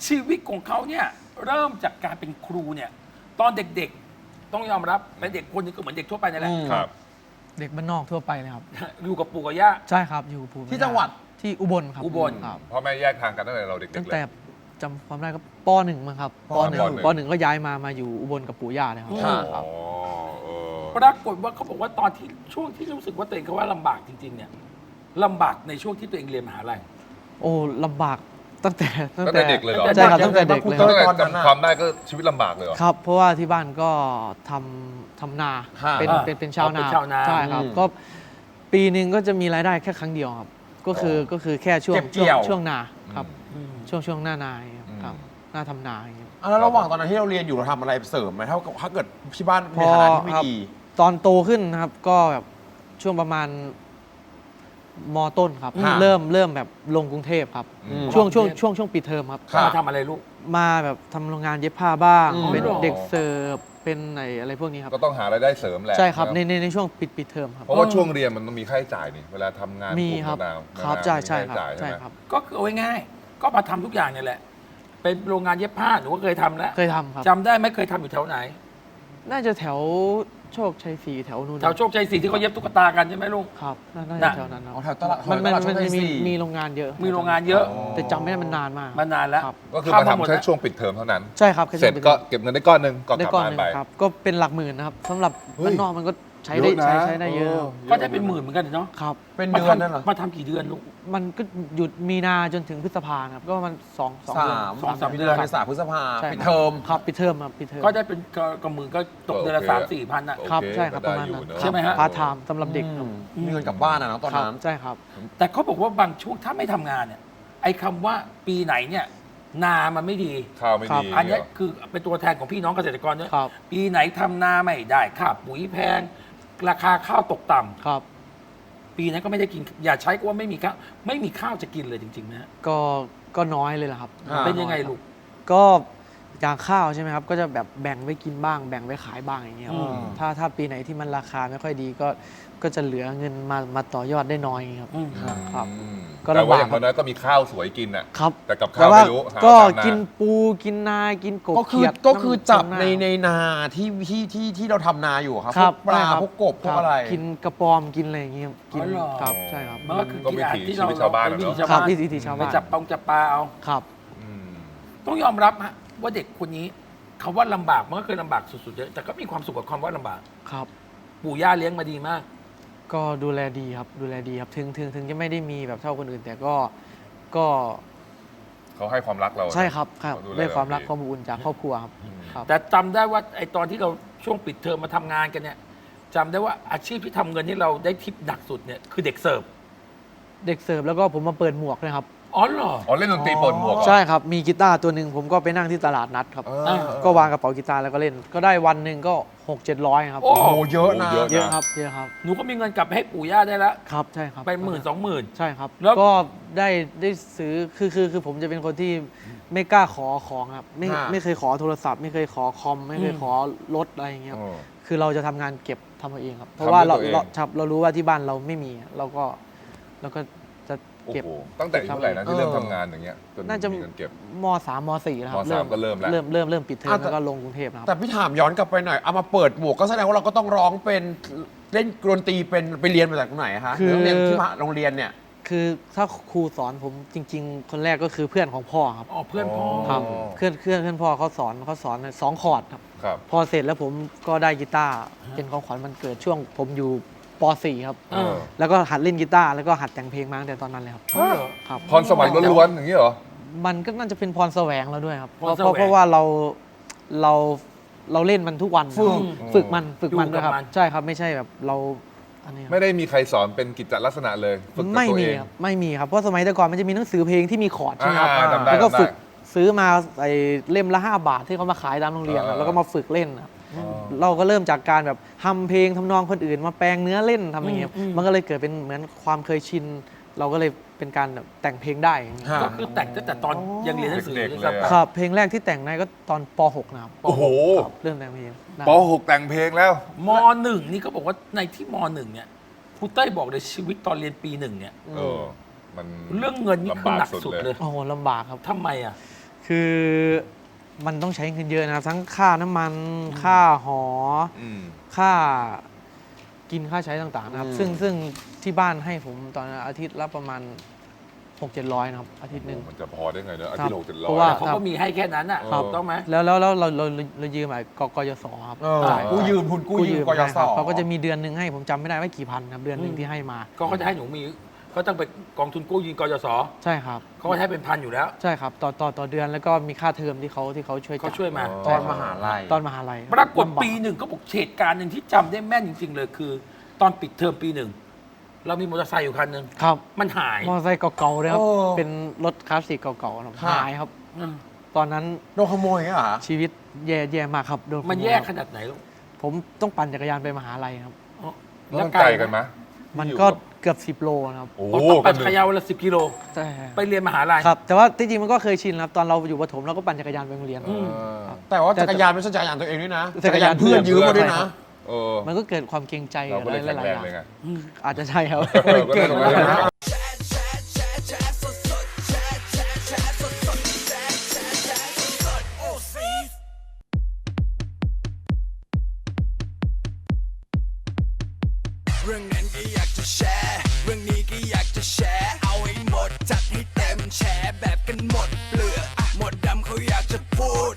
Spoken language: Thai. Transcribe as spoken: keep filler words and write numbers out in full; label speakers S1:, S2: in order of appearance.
S1: ชีวิตของเขาเนี่ยเริ่มจากการเป็นครูเนี่ยตอนเด็กๆต้องยอมรับเป็นเด็กคนนึงก็เหมือนเด็กทั่วไปนั่นแหละ
S2: ครับ
S3: เด็กบ้านนอกทั่วไปเลยครับ
S1: อยู่กับปู่กับย่า
S3: ใช่ครับอยู่ภูมิ
S2: ที่จังหวัด
S3: ที่อุบลครับ
S1: อุบล
S3: ครับ
S4: พ่อแม่แยกทางกันตั้งแต่เราเด็กๆ
S3: ตั้ง
S4: เล
S3: แต่
S4: ย
S3: จำความได้ก็ปหนึ่งมั้งครับ
S2: ป
S3: ปหนึ่ง
S4: ปหนึ่ง
S3: ปหนึ่งก็ย้ายมามาอยู่อุบลกับปู่ย่าเลยครับ
S1: ค่ะ
S3: ครับ
S4: อ๋อเออ
S1: ปรากฏว่าเขาบอกว่าตอนที่ช่วงที่รู้สึกว่าตัวเองเขาว่าลำบากจริงๆเนี่ยลำบากในช่วงที่ตัวเองเรียนมหาลัย
S3: โอ้ลำบากตั้งแต่
S4: ตั้งแต่เด็กเลยเหรอ
S3: ใช่ครับตั้งแต่เด็กเลยค
S4: ตั้
S3: รับ
S4: งแต่
S2: ตอนนั้นน่ะ
S4: จำความได้ก็ชีวิตลำบากเลยเหรอ
S3: ครับ เพราะว่าที่บ้านก็ทำทำนา
S2: ฮะ
S3: เป็น
S1: อ่า
S3: เป็นเป็นชาวนา
S1: เป็นชาวนา
S3: ใช่ครับ
S2: อืม
S3: ก็ปีหนึ่งก็จะมีรายได้แค่ครั้งเดียวครับ ก็คือก็คือแค่ช่วง
S2: เก็บเกี่ยว
S3: ช่วงช่วงนาครับ
S1: อืม
S3: ช่วงช่วงหน้านาครับ
S4: อืม
S3: ครับหน้าทำนาอย่างเงี้ย
S2: อ่ะแล้วระหว่างตอนนั้นที่เราเรียนอยู่เราทำอะไรเสริมไหมถ้าถ้าเกิดที่บ้าน
S3: พ
S2: ใน
S3: อ
S2: ฐานะที่ไม่
S3: ครับ
S2: ดี
S3: ตอนโตขึ้นนะครับก็แบบช่วงประมาณมต้นครับ
S2: ฮะ
S3: เริ่มเริ่มแบบลงกรุงเทพครับ
S4: อืม
S3: ช่วงช่วงช่วงช่วงปิดเทอมครับ
S2: ครับ
S1: มาทำอะไรลูก
S3: มาแบบทำโรงงานเย็บผ้าบ้าง
S2: อืม
S3: เป็น
S1: อ๋อ
S3: เด็กเสิร์ฟเป็นไหนอะไรพวกนี้ครับ
S4: ก็ต้องหารายได้เสริมแหละ
S3: ใช่ครับ
S4: นะ
S3: ในในในช่วงปิดปิดเทอมครับ
S4: เพราะว่าช่วงเรียนมันต้องมีค่าใช้จ่ายนี่เวลาทำงาน
S3: มี
S4: กลุ่
S3: ครับ
S4: มะนาว
S3: ครับ
S4: มะนาว
S3: ใช่
S4: มี
S3: ใช่
S4: ค่า
S3: ครับ
S4: ใช้จ่าย
S3: ใช่
S4: ไหม
S3: ครับ
S1: ก็คือเอาง่ายๆก็มาทำทุกอย่างเนี่ยแหละ เป็นโรงงานเย็บผ้าหนูก็เคยทำแล้ว
S3: เคยทำครับ
S1: จำได้ไหมเคยทำอยู่แถวไหน
S3: น่าจะแถวโชคชัยศรีแถวนู้น
S1: แถวโชคชัยศรีที่เขาเย็บตุ๊กตากันใช่ไหมลุง
S3: ครับน่าน่า
S1: น่ะ
S3: จะแถวนั้นครับ
S2: อ๋อแถวตลาด
S3: มันมัน
S2: ตลาดโช
S3: มัน
S2: คชั
S3: จะ
S2: ย
S3: มี
S2: ศรี
S3: มีโรงงานเยอะ
S1: มีโรงงานเยอะ
S3: แต่จำไม่ได้มันนานมาก
S1: มานานแล้ว
S3: ครับ
S4: ก็คือ
S1: ข้
S4: มา
S1: หมด
S4: ทำแค่
S1: แล้ว
S4: ช่วงปิดเทอมเท่านั้น
S3: ใช่ครับแค่
S4: เสร็จ
S3: ช่วงปิด
S4: ก็
S3: ทอม
S4: เก็บเงินได้ก้อนหนึ่งก็ก
S3: ได้
S4: ลับ
S3: ก้อน
S4: บ้า
S3: ห
S4: น
S3: นึ่ง
S4: ไป
S3: ครับ ก็เป็นหลักหมื่นนะครับสำหรับ
S4: เฮ้ย
S3: บ้านนอกมันก็ใช้ได้
S4: เยอะนะ
S3: ใช้ใช้ได้เยอะ
S1: ก็ได้เป็นหมื่นเหมือนกันเนาะ
S3: ครับ
S2: เป็น
S1: มา
S2: เดือนนั่น
S1: ทำ
S2: เหรอ
S1: มาทำกี่เดือนลูก
S3: มันก็หยุดมีนาจนถึงพฤษภาครับก็มันสองสอง
S2: สา
S3: เดือน
S2: ม
S1: สองสาม
S2: เดื
S1: เดื
S2: อ
S1: อน น
S2: เมษาพฤษภา
S3: ใช่
S2: ปิดเทอม
S3: ครับปิดเทอมครับปิดเทอม
S1: ก็ได้เป็นกระกับมือก็ตกเดือนละ
S4: โอเค
S1: สามสี่พันอ่ะ
S4: โอเค
S3: ครับใช่ครับ
S4: ก็
S3: ประ
S4: ได้
S3: มาณ
S4: อยู่
S3: นั้น
S4: เนอะ
S1: ใช่ไหมฮะ
S3: พาร์ทไทม์สำหรับเด็กครับ
S2: อืมมีเงินกลับบ้านอะเนาะตอนนั้น
S3: ครับใช่ครับ
S1: แต่เขาบอกว่าบางช่วงถ้าไม่ทำงานเนี่ย ไอ้คำว่าปีไหนเนี่ย นามันไม่ดี
S4: ข้าวไม่
S3: ครับ
S4: ดี
S1: อันเนี้ย
S4: เหรอ
S1: คือเป็นตัวแทนของพี่น้องเกษตรกรด้วย
S3: ครับ
S1: ปีไหนทำนาไม่ได้ค่าปุ๋ยแพง ราคาข้าวตกต่ำ
S3: ครับ
S1: ปีนั้นก็ไม่ได้กิน อย่าใช้ก็ว่าไม่มีข้าวไม่มีข้าวจะกินเลยจริงๆนะฮะ
S3: ก็ก็น้อยเลยแหละครับ
S2: อ่า
S1: เป็นยังไงลูก
S3: ก็อย่างข้าวใช่ไหมครับ ก็จะแบบแบ่งไว้กินบ้าง แบ่งไว้ขายบ้างอย่างเงี้ยครับ
S1: อืม
S3: ถ้าถ้าปีไหนที่มันราคาไม่ค่อยดีก็ก็จะเหลือเงินมามาต่อยอดได้น้อยอย่างเงี้ยครับ
S1: อืม
S3: ครับ
S4: อืม
S3: ก็
S4: แต่
S3: ลำ
S4: ว่า
S3: บาก
S4: อย่างน้อยๆก็มีข้าวสวยกินอ่ะ
S3: ครับ
S4: แต่กับ
S3: แต่
S4: ข้าว
S3: ว่า
S4: ไม่รู้หา
S3: ก็
S4: ตามนา
S3: กินปูกินนากินกบ
S2: ก็คือ
S3: เขียด
S2: ก็คือจับ
S3: ำ
S2: ใน
S3: ำ
S2: ในนาที่ที่ที่ที่เราทำนาอยู่อะครับ
S3: ครับ
S2: พวกปลา
S3: ใช่ครับ
S2: พวกกบพว
S3: ค
S2: ก
S3: บ
S2: อะไร
S3: กินกระปอมกินอะไรอย่างเงี้ยกิน
S1: อ๋อเหรอ
S3: ครับใช่ครับ
S1: มันก็คือ
S4: ก็
S1: กิน
S4: วิ
S1: อาหาร
S4: ถี
S1: ที่
S4: ชี
S1: เรา
S4: วิตชาวบ้าน
S1: เป็
S4: อะ
S1: วิถี
S4: เนาะ
S1: ชาว
S3: ครับ
S1: บ้าน
S3: วิถีชาว
S1: ไป
S3: บ้าน
S1: จับปองจับปลาเอา
S3: ครับ
S4: อืม
S1: ต้องยอมรับฮะว่าเด็กคนนี้คำว่าลำบากมันก็เคยลำบากสุดๆเยอะแต่ก็มีความสุขกับความว่าลำบาก
S3: ครับ
S1: ปู่ย่าเลี้ยงมาดีมาก
S3: ก็ดูแลดีครับดูแลดีครับถึงถึงถึงจะไม่ได้มีแบบเท่าคนอื่น แต่ก็ก็
S4: เขาให้ความรักเรา
S3: ใช่ครับครับ
S4: เขาดูแล
S3: ได้ความรัก
S4: เราดี
S3: ความอบอุ่นจากครอบครัวครับครับ
S1: แต่จำได้ว่าไอ้ตอนที่เราช่วงปิดเทอมมาทำงานกันเนี่ยจำได้ว่าอาชีพที่ทำเงินที่เราได้ทิปหนักสุดเนี่ยคือเด็กเสิร์ฟ
S3: เด็กเสิร์ฟแล้วก็ผมมาเปิดหมวกนะครับ
S1: อ๋อเหรอ
S4: อ๋อเล่นดนตรีเปิดหมวกเหรอ
S3: ใช่ครับมีกีตาร์ตัวหนึ่งผมก็ไปนั่งที่ตลาดนัดครับ
S4: เออ
S1: อ่า
S3: ก็วางกระเป๋ากีตาร์แล้วก็เล่น ก็ได้วันหนึ่งก็หกเจ็ดร้อยครับ
S1: โอ้
S2: โอ้โหเยอะนะ
S4: เยอะ
S3: เยอะครับเยอะครับ
S1: หนูก็มีเงินกลับไปให้ปู่ย่าได้แล้ว
S3: ครับใช่ครับ
S1: ไปหมื่นสองหมื่น
S3: ใช่ครับ
S1: แล้ว
S3: ก็ได้ได้ซื้อคือคือคือผมจะเป็นคนที่ไม่กล้าขอของครับไม่
S2: ฮะ
S3: ไม่เคยขอโทรศัพท์ ไม่เคยขอคอม ไม่เคยขอรถอะไรอย่างเงี้ยครับ
S4: อ๋อ
S3: คือเราจะทำงานเก็บทำเอาเองครับ เพ
S4: ทำ
S3: ราะว่า
S4: ด้วย
S3: เรา
S4: ตัวเอง
S3: เราครับเรารู้ว่าที่บ้านเราไม่มีเราก็เราก็จะ
S4: โอ้
S3: เก็บ
S4: โหตั้งแต่อายุเท่าไหร่นะที่เริ่มทำงานอย่างเงี้ยจน
S3: น่าจะ
S4: มีเงินเก็บ
S3: มสามมสี่แล้วครับ
S4: มสามก็เริ่มแล้ว
S3: เริ่มเริ่มเริ่มปิดเทอม
S2: อ่ะแต่
S3: แล้วก็ลงกรุงเทพนะครับ
S2: แต่พี่ถามย้อนกลับไปหน่อยเอามาเปิดหมวกก็แสดงว่าเราก็ต้องร้องเป็นเล่นดนตรีเป็นไปเรียนมาจากตรงไหนฮะ
S3: คือ
S2: โรงเรียนที่มหาโรงเรียนเนี่ย
S3: คือถ้าครูสอนผมจริง ๆ คนแรกก็คือเพื่อนของพ่อครับ
S1: อ๋อเพื่อนพ่อ
S3: ครับเพื่อนเพื่อนเพื่อนพ่อเขาสอนเขาสอนสองคอร์ดครับ
S4: ครับ
S3: พอเสร็จแล้วผมก็ได้กีตาร์เป็นของขวัญวันเกิดช่วงผมอยู่ป สี่ครับ
S1: เออ
S3: แล้วก็หัดเล่นกีตาร์แล้วก็หัดแต่งเพลงมาตั้งแต่ตอนนั้นเลยครับ
S1: อ๋อเหรอ
S3: ครับ
S4: พรสวรรค์ล้วนๆอย่างนี้เหรอ
S3: มันก็น่าจะเป็นพรแสวงเราด้วยครับ
S1: พ
S3: เพ
S1: ร
S3: ราะ
S1: แสวง
S3: เพราะเพราะว่าเราเราเราเล่นมันทุกวัน
S2: ฝึก
S3: ฝึกมันฝึกมัน
S1: อยู่กับ
S3: ด้วยครับ
S1: มัน
S3: ใช่ครับไม่ใช่แบบเราอันนี้ครับ
S4: ไม่ได้มีใครสอนเป็นกิจลักษณะเลยฝึกกับ
S3: ไม่
S4: ตัว
S3: มี
S4: เอง
S3: ครับไม่มีครับเพราะสมัยแต่ก่อนมันจะมีหนังสือเพลงที่มีคอร์ดใช่ไหมครับ
S4: อ่าจำได้
S3: แล้วก็
S4: จำได้
S3: ฝึกซื้อมาไอ้เล่มละห้าบาทที่เขามาขายตามโรงเรียนอะ
S4: อ่า
S3: แล้วก็มาฝึกเล่นอะ
S4: อ๋อ
S3: เราก็เริ่มจากการแบบทำเพลงทำนองคนอื่น มาแปลงเนื้อเล่นทำอย่างเงี้ย
S1: อืมอืม
S3: มันก็เลยเกิดเป็นเหมือนความเคยชิน เราก็เลยเป็นการแบบแต่งเพลงได้อย่างเงี้ย
S2: ฮะ
S1: ก็คือแต่งตั้งแต่ตอนยังเรียนหนังสือ
S4: เด็กๆ
S1: ด้วย
S4: เลยอะ
S1: ซ้ำ
S3: ครับเพลงแรกที่แต่งได้ก็ตอนป หกนะครับ
S4: โอ้โห
S3: ครับเริ่มแต่งเพลงได้
S4: ป .หก แต่งเพลงแล้ว
S1: มหนึ่งนี่เขาบอกว่าในที่มหนึ่งเนี่ยครูเต้ยบอกเลยชีวิตตอนเรียนปีหนึ่งเนี่ย
S4: เออ มัน
S1: เรื่องเงินนี่คือหนักสุดเลย
S3: โอ้โหลำบากครับ
S1: ทำไมอ่ะ
S3: คือมันต้องใช้เงินเยอะนะครับ ทั้งค่าน้ำมันค่าหอ
S4: อืม
S3: ค่ากินค่าใช้ต่างๆนะครับ
S2: อืม
S3: ซึ่งซึ่งที่บ้านให้ผมตอนนั้นอาทิตย์ละประมาณ หกเจ็ดร้อย นะครับ อาทิตย์หนึ่ง
S4: มันจะพอได้ไงเนอะอา
S3: ครั
S4: ทิต
S3: บ
S4: ย์ละหกเจ็ดร้
S3: เพ
S4: อย
S3: ราะว่า
S1: เขาก็มีให้แค่นั้นอ่ะ
S4: ครับ
S1: ถูกต้องไหม
S3: แล้วแล้วแล้วเราเราเราเรายืมไอ้กกยศครับ
S2: เออ
S3: จ่าย
S2: กู้ยืมทุนกู้ยืมกย
S3: ใช่
S2: ศ
S3: ครับเขาก็จะมีเดือนหนึ่งให้ผมจำไม่ได้ว่ากี่พันครับเดือนหนึ่งที่ให้มา
S1: ก็เขาจะให้หนูมีเขาต้องไปกองทุนกู้ยืมกยศ
S3: ใช่ครับ
S1: เขาก็ให้เป็นพันอยู่แล้ว
S3: ใช่ครับต่อต่อต่อเดือนแล้วก็มีค่าเทอมที่เขาที่เขาช่วย
S1: เขา
S3: จ่าย
S1: ช่วยมา
S2: ตอนมหาลัย
S3: ตอนมหาลัยคบ
S1: ปรากฏ
S3: ลำบ
S1: ปีหนึ่งเขาบอกเหตุการณ์หนึ่งที่จำได้แม่นจริง ๆ เลยคือ ตอนปิดเทอมปีหนึ่งเรามีมอเตอร์ไซค์อยู่คันหนึ่ง
S3: ครับ
S1: มันหาย
S3: มอเตอร์ไซค์เก่าๆเลยครับ
S2: โอ้
S3: เป็นรถคลาสสิกเก่าๆนะครับ
S2: ครับ
S3: หายครับ
S1: อืม
S3: ตอนนั้น
S2: โดนขโมยอย่างเงี้ยเหรอ
S3: ชีวิตแย่แย่มากครับโดนขโ
S1: มันแย่ขนาดไหนลูก
S3: ผมต้องปั่นจักรยานไปมหาลัยครับ
S1: อ๋อ
S4: แล้วมันไกลกันไหม
S3: มันก็เกือบสิบโลนะครับ
S4: โอ้
S1: โอ้
S4: โห
S1: ต้องปั่น
S4: ก็
S1: จักรยานวันละสิบกิโล
S3: ใช่
S1: ไปเรียนมหาลัย
S3: ครับ แต่ว่าที่จริงมันก็เคยชินครับตอนเราอยู่ประถมเราก็ปั่นจักรยานไปโรงเรียน
S1: อืม
S4: เออ
S2: แต่ว่าจักรยานไม่ใช่จักรยานตัวเองด้วยนะ
S3: จักรยาน
S2: เพื่อนยืมมาด้วยนะ
S4: เออ
S3: มันก็เกิดความเกรงใจ
S4: เราก็เลย
S3: ห
S4: แข็ง
S3: ลาย
S4: แร
S3: ๆอย่าง
S4: งเลยไง
S3: อาจจะใช่ครับ
S4: เออก็ได้ตรงนั้นเลยนะ
S5: เรื่องนั้นก็อยากจะแชร์ เรื่องนี้ก็อยากจะแชร์ เอาให้หมดจัดให้เต็มแชร์แบบกันหมดเปลือกอะหมดดำเขาอยากจะพูด